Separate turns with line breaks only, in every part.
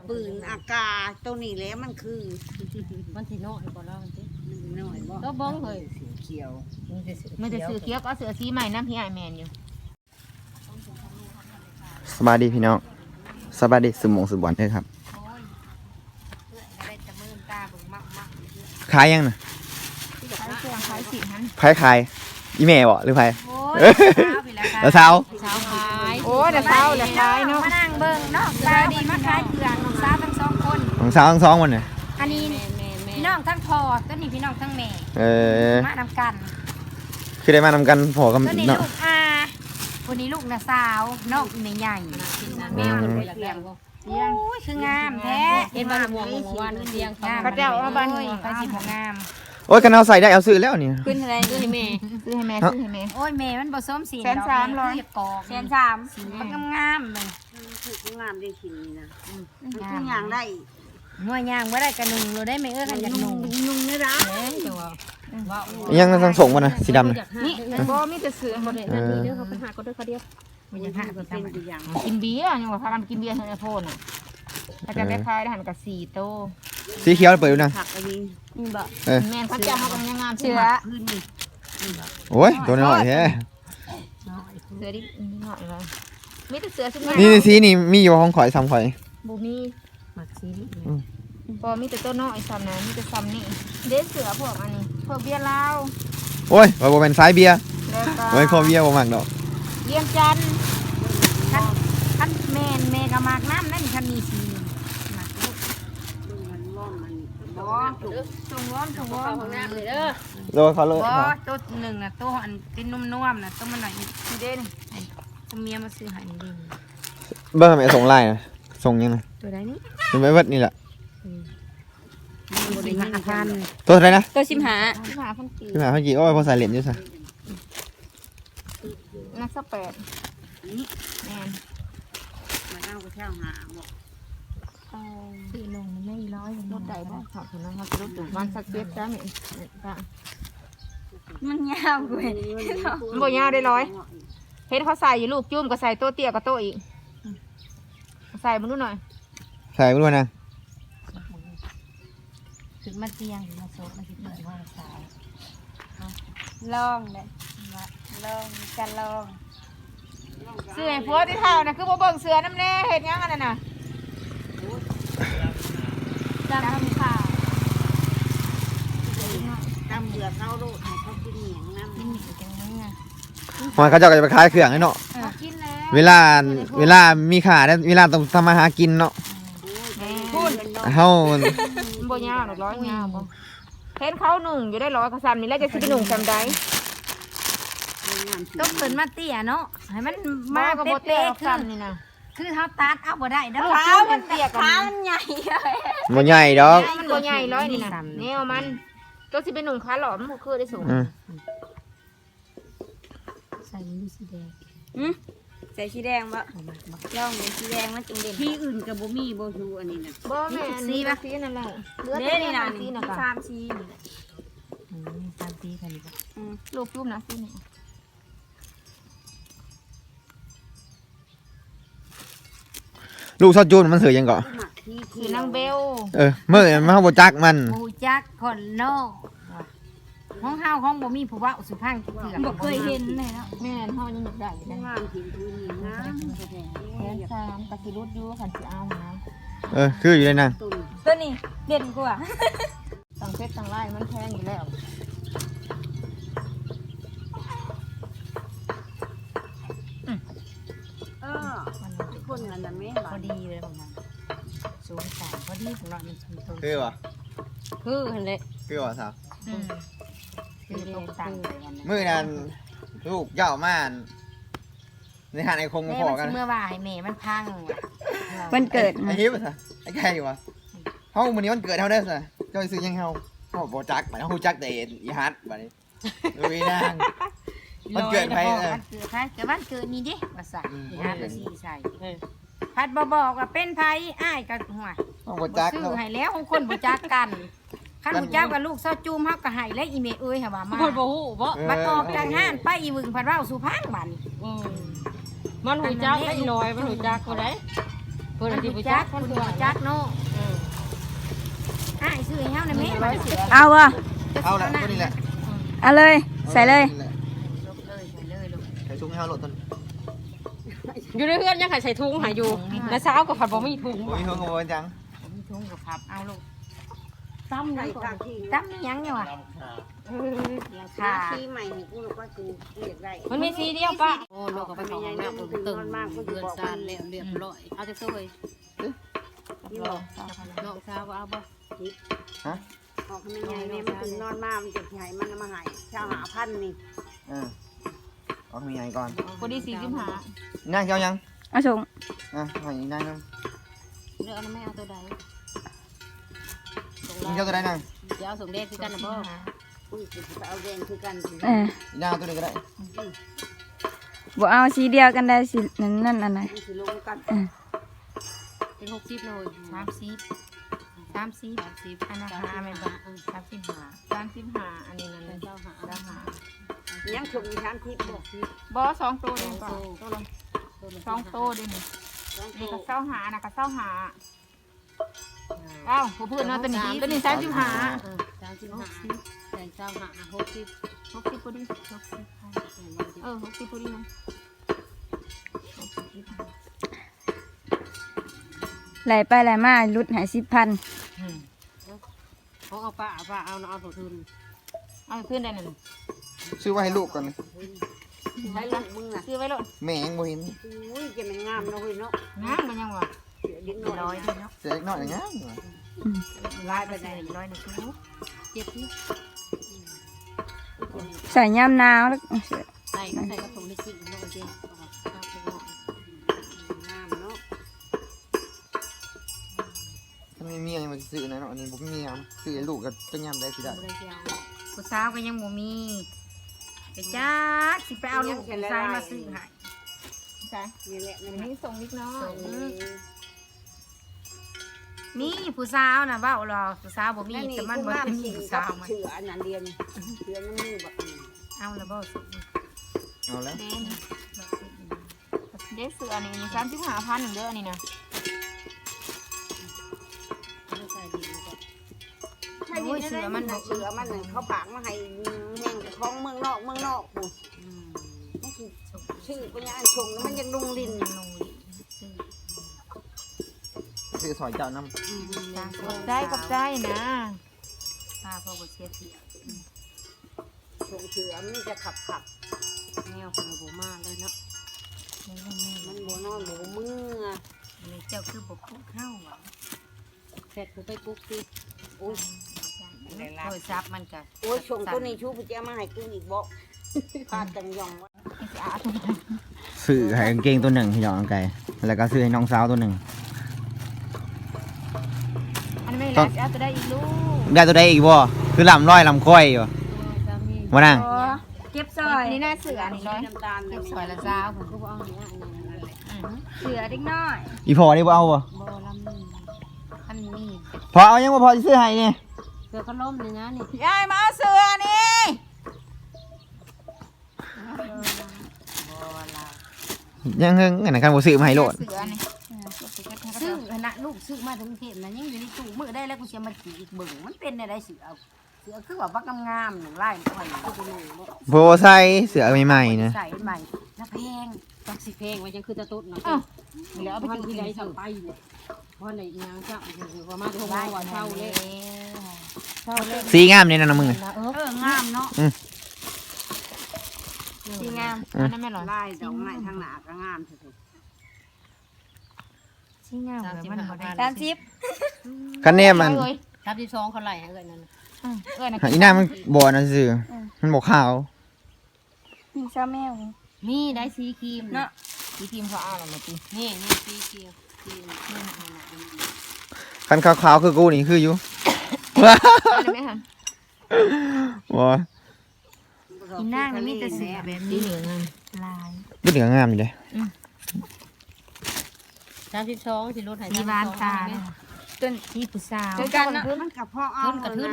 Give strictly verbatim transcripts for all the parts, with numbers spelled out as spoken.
ปืนอากาศตัวนี้แล้วมันคือ
มันที่น้อยบ่แล้วมันสิ
มันน้อยบ่
ก็บ้องเฮ้ย
สีเขียว
มันจะซื้อเขียวก็เสือสีใหม่น้ำพี่ไอแมนอยู่
สบายดีพี่น้องสบายดีสมองสมบัติเลยครับขายยังนะ
ขายเครื่องขายสินนั้น
ไพ่ขายอีเมลบ่หรือไพ่แล้วเช้า
เช้าขาย
โอ้เดี๋ยวเช้าเดี๋ยวขายเนาะ
มานั่งเบิ่งเนาะสาวดีมาขายเครื่องน้องสาวทั้งสองคน
ของเช้าทั้งสองวันเนี่ย
อันนี้พี่น้องทั้งพ่อตัวนี้พี่น้องทั้งแม่
เออ
มานำกัน
คือได้มานำกันพอกับ
ตัวนี้ลูกอาคนนี้ลูกน้าสาวน้องแม่ใหญ่
แมวมันไปเลี้ยง
โอ้ยคืองามแท้
เห็นบ้านหมู่หมู่วันเลี้ยง
เขาเจ้าเอาบ้านเขาสิบ่งาม
โอ้ยกันเอาใส่ได้เอาซื้อแล้วนี่
ขึ้นอะไรซื้อให้แม่ซื้อให้แม่ซื้อให้แม่
โอ้ยแม่มันผสมสี
แสนสามร้อย
กอกแสนสามมันงามๆเลย
คืองามได้ขินนี่นะมันคือย่างได้
หน่วยย่างบ่ได้กระนุงเราได้ไม่เอื้อกันจากนุง
นุ่งนี่นะ
ยังต้องส่งมานะสีดำนะ
นี่บ่มีแต่เสือบ่ได้นั่นนี่เด้อเขาไปหาก็เด้อเขาเดียว
มันจะหาเป็นตัว
อย่างกินเบียร์ยังว่าพากันกินเบียร์ให้โพนอ่ะถ้าจะได้ขายได้หันกับสี่โต
สีเขียวเปิดดูนะ
ผักอันนี้
บ่
แม่นเขาจะเขากำลังงาม
เสือ
โอ้ยตัวน้อยแท้
เสือดิหน่อยเลยมีแต่เสือสุด
นี่สีนี่มีอยู่ห้องข่อยซ้ำข่อย
บูมี
หมักสีนี่
พอมีแต่ตัวน้อยซ้ำนะมีแต่ซ้ำนี่เด็ดเสือพวกอันนี้พวกเบียร์ลาว
โอ้ยว่าบ่เป็นสายเบียร์โอ้ยคอเบียร์บ่มักดอก
เยี่ยมจัน
คันคันแม่แม่ก็มากน้ำนั่นคันมีสีหมักลูก
มันร้อนมัน
บ่ตรงร้อนตรงร้อนของน้ำเลยเด้อ
โลเขาเลย
บ่ตัวหนึ่งน่ะตัวอันเป็นนุ่มๆน่ะตัวมันหน่อยนี่เด้นตัวเมียมาซื้อให้นี่ดิ
เบิ่งแม่ส่งไลน์นะส่งยังไง
ตัวใดนี่
เป็นไม่เบิดนี่แหละ
สิบห้าพัน
ตัวอะไรนะ
ตัวสิบห้า
สิบห้าพันกี่
สิบห้าพันกี่โอ้ยพอใส่เหรียญอยู่ซะ
นักสเปด
นี่
แม่น
มันเอาไปเที่ยวหาหมด
สี่ลงไม่ร้อย
รถใดบ้างขอบคุณนะครับรถดูบ้านสักเก็ตจ้าแม่จ้า
มันยาวเว้ย
มันบ่ยาวได้ร้อยเห็นเขาใส่อยู่ลูกจุ่มก็ใส่โต๊ะเตี้ยกับโต๊ะอีกใส่มาดูหน่อย
ใส่มาดูนะ
ถึงมาเตียงมาโซดมาคิดเหมือนว่าสายลองเลยลองจะลอง
เสือผัวที่เท่านะคือบ่เบิ่งเสือน้ำแน่เห็นยังอันนั้นน่ะ
จำข่าว
ตำเบื่อเข้าโลดให้เขากินเหนียงน้ำกินเหนียง
จังเลยอ่ะ
มันเขาจะไปขายเครื่องให้เนาะเวลาเวลามีขาได้เวลาต้องทำมาหากินเนาะเฮา
บ่ยาวหรอกร้อยยาวบ่เห็นเขาหนึ่งอยู่ได้ร้อยกระสันนี่แล้วจะสิเป็นหนุ่มจำได้
ต้องเปิดมาเตี้ยเนาะให้มันมาเป๊ะๆขึ้นนี่นะคือเขาตัดเอาบ่ได้นะเท้ามันเตี้ยกับมันใหญ่
บ่ใหญ่ดอก
มันบ่ใหญ่ร้อยนี่นะแนวมันก็สิเป็นหนุ่มขาหลอมบ่คือได้สูง
ใส่สีแดงอืมใส่สีแดงบ่ย่องเป็นสีแดงมันจึงเด่น
ที่อื่นกับบ่มีบ่ชูอันนี้นะ
บ่แม่สีป่ะสีนั่นแหละ
เลือดนี่นะสีนะสามสีสามสีกันบ่
รูปรูปนะสีนี่
ลูกซอจูนมันเสือยังก่อ
คือนางเบล
เออเมื่อมันเขาบ่จักมัน
บ่จักคนนอกห้องเฮาห้องบ่มีผู้ว่าสุพรรณเถื่อนบ่เคยเห็นเลยเนาะ
แม่นเฮายังนึกได้
ได้งามถิ่นพื้นนี่งาม
แท้ๆสามกะสิรุดอยู่คันสิเอานะ
เออคืออยู่เลยนะ
ตัวนี้เด่นกว่า
สั่งเพชรสั่งไล่มันแพงอยู่แล้ว
เออคนนั้นน่ะแม่
พอดีเลยประมาณสูงสามพอดีสำหรับมันสูงโต
คือวะ
คือหั่นแหละ
คือวะสาว
อืมคือตรงต่าง
มื้อนั้นลูกเจ้าม่านในหาดไอ้คงพอกัน
เมื่อวานแม่มันพัง
วันเกิด
ไอ้ฮิปซะไอ้ไก่วะเฮามื้อนี้วันเกิดเฮาได้ซะเจ้าซื้อยังเฮาเฮาบ่จักบัดเฮาจักแต่อีฮัดบัดนี้ลุยนางวันเกิดไผเออ
วันเกิดไผแต่วันเกิดนี่ดิว่าใส่อีฮัดก็สิใส่เออพัดบ่บอกว่าเป็นไผอ้ายก็หัว
บ่จัก
ซื้อให้แล้วของคนบ่จักกันคันหูจักกับลูกซอจูมเฮาก็ให้และอีเมเอ้ยค่ะว่ามา
บ่บ่ฮู้บ่
บัดออกจากห้านไปอีวึงพัดเว้าสุพรรณบัดนี้
อือมันหูจักได้อีน้อยมันหูจักบ่ได้
เพิ่นสิบ่จักเพิ่นบ่จักเนาะ
อ้ายซื้อให้เฮาได้แม่
ร้อยเสือ
เอาบ่
เอาละตัวนี้แหละ
เอาเลยใส่เลย
เลยใส่เลยลูก
ใส่ถุงให้เฮาโหลดต้น
อยู่ในเพื่อนยังใส่ถุงหาอยู่แล้วเช้าก็ผัดบ่มีถุง
โอ้ยเฮงกับจัง
มีถุงกับผับเอาลูก
ต้ม
ใส่
เลย
ทางที่
ต้มนี่ยังอยู่อ่ะ
ค่ะที่ใหม่นี่กูรู้ว่ากูเรียกได้
มันมีสีเดียวป่ะโอ้ลูกก็ไปของน้ำตึงตึงเดือนซานแล้วเรียบร้อยเอาจะตัวเลย
นี่บอก
น้องสาวเอาบ่
ฮะ
ออกไม่ไงเนี่ยมันตื่นนอนมามันจะใหญ่มันมาหายชาวหาพันนี่
อ่าเอามีไงก่อน
พอดีสี่สิบห้า
นั่งเจ้ายัง
เอาส่ง
อ่ะให้นั่งนั่ง
เลือกไม่เอาตัวใด
มึงเจ้าตัวใดนั่ง
เดี๋ยวส่งเด็กคือกันนะบ่
กูจะไปเอาแดงคือกัน
เออ
นั่งเอาตัวนี้ก็ได้
บ่เอาสีเดียวกันได้สินั่นนั่นอันไหน
มันสิลงกัน
เป็นหกสิบเลย
สามสิบสามสิบ
สามสิบ
อันนั้น
สาม
ห้า
สิบ
เป็น
บา
บา
ท
ทสามสิบห้าสามสิบห้าอันนี้นั่นเลย
เจ้าหา
เจ้าหา
ยังชมมีชั้นทิพย์บอก
บอสองตัวเดียวก่อนตัวละสองตัวเดียวนี่
ต้อง
นี่
โต
ก็เศร้าหานะก็เศร้าหาเอ้าผู้พูดเนาะตัวนี้ตัวนี้สามสิบห้า
สามสิบห้าใส่เจ้าหาหกสิบ
หกสิบพอดีหกสิบเออหกสิบพอดีนะ
ไหลไปไหลมาลุดหายสิบพัน
เขาเอาป้าป้าเอาเอาตัวทุน
เอาขึ้นได้หนึ่ง
ซื้อไว้ให้ลูกก่อน
ใช้ลูกมึงน่ะ
ซื้อไว้เลย
แม่ยังบ่เห็น
อุ้ยจะมันงามเนาะเฮ้ยเนาะ
น้ำมันยังวะ
เสียดิ้นน้อย
เสียเล็กน้อยอย่างเงี้ย
ลายไปไหนร้อยหนึ่งชิ้น
เจ็ดที่
ใส่ยามหนาวแล้ว
ใส่ใส่กระถุงในจิ๋งลงไปเจ้า
งามเนาะ
ถ้าไม่มีอะไรมาซื้อนะเนาะอันนี้ผมมีอ่ะซื้อให้ลูกก็จะย่ำได้สิได้
ไม่ได้เจ้า
ผู้สาวก็ยังบ่มีไปจ้าสิไปเอาลูกชายมาซื้อให้ใช่
นี่แหละมัน
นี่ส่งนิดน้อย
นี่
นี่ผู้สาวนะเบ้าหรอผู้สาวบ่มี
นี่
แต่มัน
กู
บ่
งาม
เป็น
จริง
ผู้
กั
สา
บ
วมัน
เสืออันนั้นเรียนเสือน้ำมือแบบนี้
เอาละบ่สุด
เอาแล้ว
เด้นี่เด้เสือนี่สามสิบห้าพันหนึ่งเด้อนี่นะ
ไม่ใส่ดินก็
ใช่ดิเสือมันเสือมันเขาผางมาให้แห้งของเมืองนอกเมืองนอกกูมันคือชื่อปัญญาอันชงแล้วมันยังลุงลิน
ลงลิ้นซื้อ
ซื้อซอยเจ้าน้
กับใจกับใจนะป้าพ่อบ่เสียเสีย
ชงเสือมันจะขับขับ
แนวคนโบมาเลยเนาะ
มันโบนอนโบมือ
นี่เจ้าคือบ่พูดเข้าหวัง
เสร็จกูไปกุ๊กสิโอ้ย
โทรศัพท์มันก็
โอ้ยชงตัวนี้ชูปัญญามาให้กูอีกบอกพาจังยองวะ
สิอา
ำซื้อให้กางเกงตัวหนึ่งที่น้องไก่แล้วก็ซื้อให้น้องสาวตัวหนึ่ง
อันนี้ไม่รักเอาจะได้อีกลูก
ได้ตัวใดอีกบ่คือลำร้อยลำค่อยอยู่มานั่ง
เก็บซอย
นี่น่าเสือนี่ร้อย
น้ำตาล
เก็บ
นี่
ซอยละเจ้า
ผมก็บอกเอาเนี่ยนั่นแหละ
เสือเด็กน้อย
อีพอนี่บ่เอาบ่
บอลำนี่
อันนี้
พอเอายังบ่พอสิซื้อให้นี่
เสือก็ล้มเลยนะนี่
ยายมาเอาเสือนี่
ยังเฮิงอันนั้นกันบ่ซื้อมาให้โลด
เสือนี่
ซื้อขณะลูกซื้อมาถึงเทพนะยังอยู่ในตู้มือได้แล้วกูจะมาขี่อีกเบิ่งมันเป็นอะไรเสือเสือคือว่าบักงามๆหนึ่งไล่หน่อยกูจะรู้ว่า
บ่ใส่เสื้อใหม่ๆนะ
ใส่ใหม่น้าแพง
จักสิเพลงไว้ยังคือตะตุ๊ดเนาะ
เดี๋ยวเอาไป
พัน
กิน
ที่
ที่
ไห
ไห
น
น
สั่งไปเลยเพราะในยางเจ้าคือว่ามาที่ห้องว่าเช่าเลยเช่าเลย
สีงามนี่นะน้องมึง
เอ
เอ
อ
องามเนาะ
ดีงามอันนั้นไม่หรอ
ไล่ดอกไม้ทางหนาก็งามสุด
ชิงามเลยมันบ่ได้
สามสิบ
คันแนมมัน
สามสิบสองเขาไหลเอ้ยนั่น
เอ้ยนะ
อีหน้ามันบ่นะซื่อมันบ่ขาว
มีชาแมว
มีได้สีครีม
เนาะ
ทีทีมเขาอ่านอะไรตี
นี่นี่สีเขียวครีมนี่นี่นี่
คันขาวๆคือกูนี่คืออยู่
อะไรไหมคะ
บ่
ๆ
อีนางนี่มีแต่เสือแบบ
สี
นี้
เหลือง
ลาย
บ่เหลืองงามอยู่เด้
สามสิบสองสิรถหาย
มีบานตาต้นที่ผู้สาว
เจอกันเนาะ
มันกับพ่อเอาเอาลูก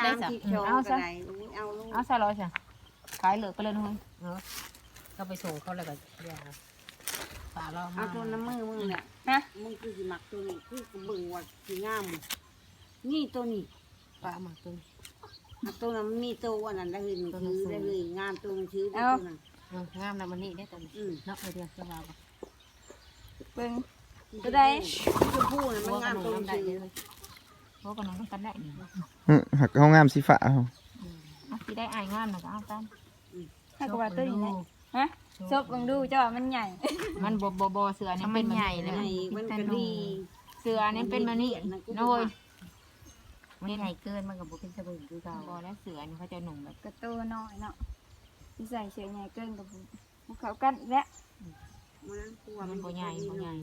เอาใส่ร้อยใช่ขายเหลือไปเลยนุ้ย
ก็ไปส่งเขาแล้วก็ยา
ฝาเรา
เอาตัวน้ำมือมึงเนี่ย
ฮะ
มึงคือสิมักตัวนี้คือกูเบิ่งว่าสิงามนี่ตัวนี้
ปลาหมักตัว
เอาตัวนั้นมีตัวอันนั้นได้เลยมันคือได้เลยงามตัวมันชื่อได้ตัวนั้น
งามนะมันนี่ได้ตัวนี้
อืม
เนาะเดียวจะมา
เบิ่งตัวใด
ชมพูน่ะมันงามตัวมันชื่อ
เพราะกันน้องต้องกันได้นี่
อืมหักห้องงามสีฟ้าเอา
เอาสิได้อายงามน่ะก็เอาตาม
ให้กว่าตัวนี้นะฮะซบเบิ่งดูเจ้าว่ามันใหญ่
มันบ่บ่บ่เสือนี่เป็นใหญ่เลย
ไงมันก็ดี
เสือนี่เป็นแบบนี้น้อย
มันใหญ่เกินมันกับบุเป็นสบู่คือเก่า
บ่แล้วเสือนี่เขาจะหนุ่มแบบ
กระตัวน้อยเนาะที่ใส่เสื้อใหญ่เกินกับพวกเขากันและ
มันกลัว
มันบ่ใหญ่บ่ใหญ่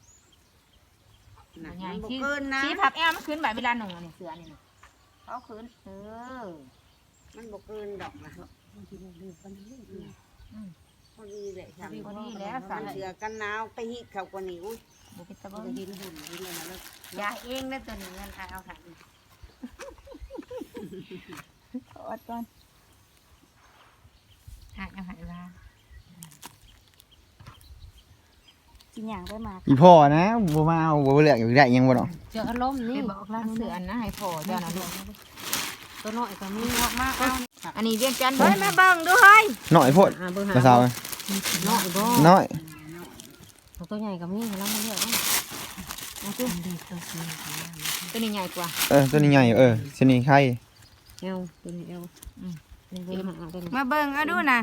นะ
บ่ใหญ่
มันบ่
ชี้
เกินนะ
ชี้พับแอวมันขึ้นแบบเวลาหนุ่มนี่เสือนี่เขาขึ้นเออ
มันบ่เกินดอกนะพอดีเลยค่ะ
พอดีแล้วสา
สาร
ร
เสือกันหนาวไปฮิตเขากว่านี้อุ้ย
บ่เป็นตะ
มั
เบิ่
น
ง
จะดินหุ่นดินเลยนะแล้วยาเองแล้วตัวนี้เงินเอาหัน
ขออดก่อน
หักเอาหันว่า
กินอย่างไปมา
อีพ่อนะบ่มาเอาบ่เลือกอยู่ได้ยังบ่เนาะ
เจออารมณ์
นี่
นี่
บอกร้านเสืออันนะให้พอเจ้านะลูก
ตัวน้อยก็มีเงาะมากเอา
อันนี้เวียงจันทร์เฮ้ยแม่เบิ่งดูเฮ้ย
น้อยโพด
เบอร์หา
ภาษา
น้อยบ่
น้อย
ตัวใหญ่ก็มีแล้วมันเลือกเอาตัวดีตัวสี
ตัวนี้ใหญ่กว่า
เออตัวนี้ใหญ่เออชนิดไข่
เอวตัวนี้เอวอืมเบอร์หาตัวนี้
มาเบิ่งเอาดูนะ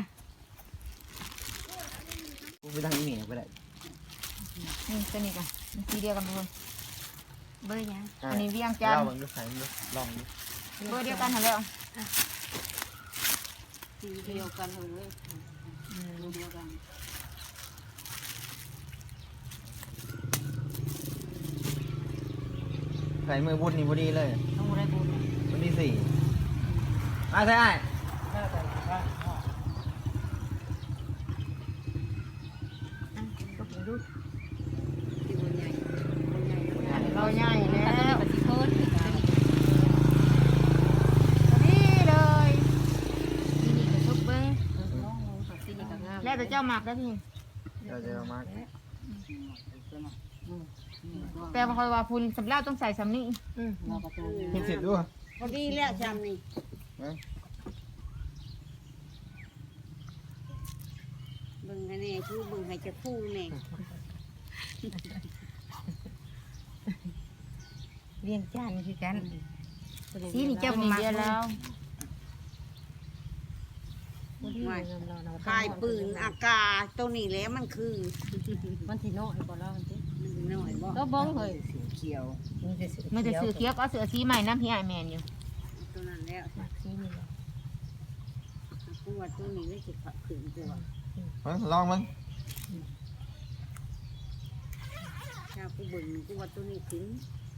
ไปทางนี้ก็ได้
นี่ตัวนี้กันสีเดียวกันทุกคน
เบอร์ยัง
อันนี้เวียงจันท
เรา
ร์
เบิ่งดูใส่ดูลองดู
เบอร์เดียวกันหาแล้ว
สีเดียวกันเลยเดียวกัน
ใส่มือบุญนี่บ่ดีเลย
ต้องได้บุญ
วันที่สี่มาใส่อ้าย
ก็เป็นดู
ที่มันใหญ่มันใหญ่มันใหญ่
เราใหญ่แล้ว
ปฏิโทษ
นี่เลย
ที่นี่ก็ทุกเบิ้งที่นี่ก็งาม
แล้วแต่เจ้าหมักแล้วพี่
เราจะเอามา
แปลว่าคอยว่าพุ่นสำหรับต้องใส่สำนี้
เราประตู
เห็นเสร็จด้วย
พอดีแล้วชามนี่เบิ่งกันแน่ชื่อเบิ่งให้จะพูดแน่
เรียงจานคือกัน
สีนี่เจ้าหมักแล้ว
คายปืนอากาศตัวนี้แหล้วมันคือ
มันที่น้อยกว่าเราจริง
มันน้อยบ่
ก็บ้องเลย
เขียว
มันจะซื้อเคี้ยวก็เสือสีใหม่น้ำพี่ไอแมนอยู่
ตัวนั้นแล้ว
สีนี่
กูว่าตัวนี้ได้สิขับขืนตัว
ลองมั้ง
ถ้ากูเบิ่งกูว่าตัวนี้ขืน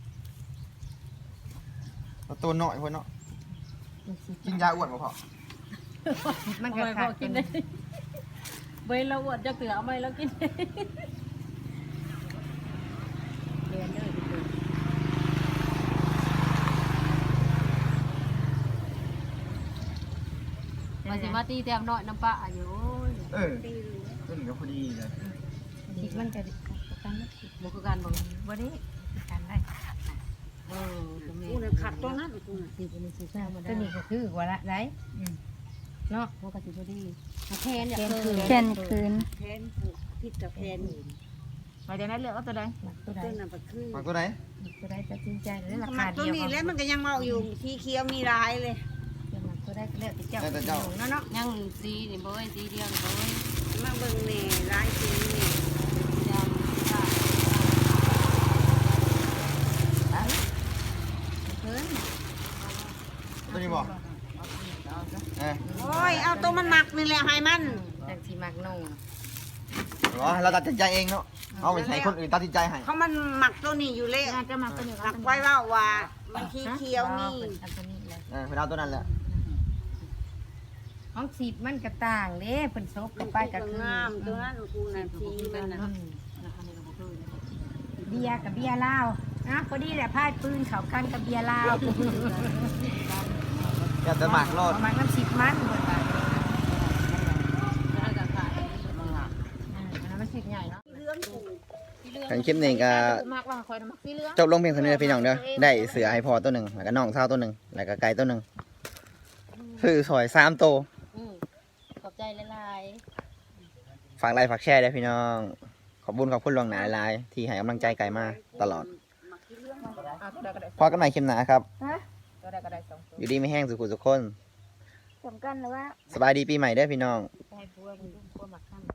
ตัวน้อยพวกเนาะกินยาอ้วนบ่พอ
มันก็ขาดกินได้
เบยเราอวดจะเกลือเอาไหมเรากินเรียนเลยมาสิมาตีแต้มน้อยน้ำปลาอยู่
เออตัวนี้ก็พอดีเลย
คิดมันจะกันบุกการบ่บ่ได้กันได้เออ
กูน่ะขัดตัวนั้นกูน่ะ
สิเป็นสิซ่ามาได้ตัวนี้ก็คือกว่าละได้เนาะมันก็สิบ่ดีแทนอย่าเพิ่ม
แค่นคืน
แพนผูกพิษกับแพน
มาจากนั้นเลือกเอาตัวใด
ตัวใด
ตัวนั้นก็คือ
มาตัวไหน
ตัวใดตัดสินใจเลยรา
มั
คาน
ตั
เดี
ว
ยว
นี้แล้วมันก็ยังเมาอยู่สีเขียวมีลายเลย
ตัวใดก็แล้วแต่เจ้า
แล้วแต่เจ้า
เนาะเนาะยังสีนี่บ่สีเดียวนี่บ่
มาเบิ่งแน่ลายสีนี่
ยังค่ะเพิ่น
ตัวนี้บ่เออ
โอ้ยเอาตัวมันหมักนี่แหละให้มัน
จากสิมักนุ่ง
เหรอเราตัดสินใจเองเนาะเอาไปใช้คนอื่นตัดสินใจให้
เขามันหมักตัวนี้อยู่เลย
งานจะหมักตัวนี้
หมักไว้ว่าว่ามันสีเขียวนี่
อันนี้แหละ
เออไปเอาตัวนั้นแหละ
ของสีมันก็ต่างเด้เพิ่นซบกับไปก็คือง
ามตัวนั้นกูน่ะสีมันน่ะ
เบียร์กับเบียร์ลาวนะพอดีแหละพายปืนเข้ากันกับเบียร์ลาว
อยากจะหมักรอด
ประมาณน้ำสิบมันเพิ่นว่า
มันสิใหญ่เนาะ
เหลืองกู
ขันคลิปนี้ก็
มากว่าคอยมักสีเหลือง
จบลงเพียงเท่านี้นะพี่น้องเด้อได้เสือให้พอตัวหนึ่งแล้วก็น้องเท่าตัวหนึ่งแล้วก็ไก่ตัวหนึ่งซื้อซอยสามตัว
อืมขอบใจหลาย
ฝากไลค์ฝากแชร์ด้วยพี่น้อง ขอบคุญขอบคุณลวงหนาหลายๆที่ให้กำลังใจไก่มาตลอด
อ่ะตัวใดก็ได้
พอกันใหม่คลิปหนาครับ
ตัวใดก็ได้สองตัว
อยู่ดีไม่แห้งสุขุสุขคน
สำคัญเลยว่า
สบายดีปีใหม่เด้อพี่น้อง
ๆให้พวกมันดูความมักคั่น